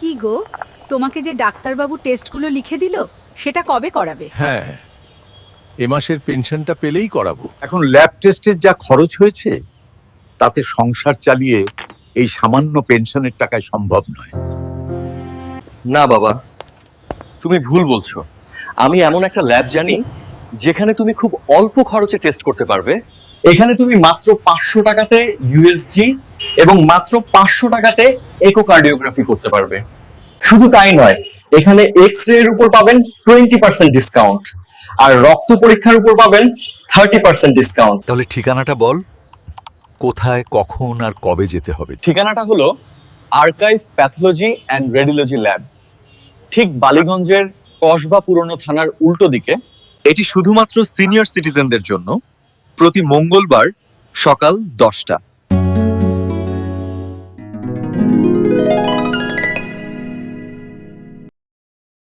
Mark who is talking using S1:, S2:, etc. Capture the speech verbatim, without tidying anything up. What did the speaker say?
S1: কি গো, তোমাকে যে ডাক্তারবাবু টেস্টগুলো লিখে দিল সেটা কবে করাবে?
S2: হ্যাঁ, এ মাসের পেনশনটা পেলেই করাবো।
S3: এখন ল্যাব টেস্টের যা খরচ হয়েছে তাতে সংসার চালিয়ে এই সামান্য পেনশনের টাকায় সম্ভব নয়।
S4: না বাবা, তুমি ভুল বলছো। আমি এমন একটা ল্যাব জানি যেখানে তুমি খুব অল্প খরচে টেস্ট করতে পারবে। এখানে তুমি মাত্র পাঁচশো টাকাতে ইউএসজি এবং মাত্র পাঁচশো টাকাতে ইকোকার্ডিওগ্রাফি করতে পারবে। শুধু তাই নয়, এখানে এক্স রে এর উপর পাবেন টোয়েন্টি পার্সেন্ট ডিসকাউন্ট আর রক্ত পরীক্ষার উপর পাবেন থার্টি পার্সেন্ট ডিসকাউন্ট।
S3: তাহলে ঠিকানাটা বল, কোথায়, কখন আর কবে যেতে হবে?
S4: ঠিকানাটা হলো archive pathology and radiology lab, ঠিক বালিগঞ্জের কসবা পুরনো থানার উল্টো দিকে।
S5: এটি শুধুমাত্র সিনিয়র সিটিজেনদের জন্য, প্রতি মঙ্গলবার সকাল দশটা।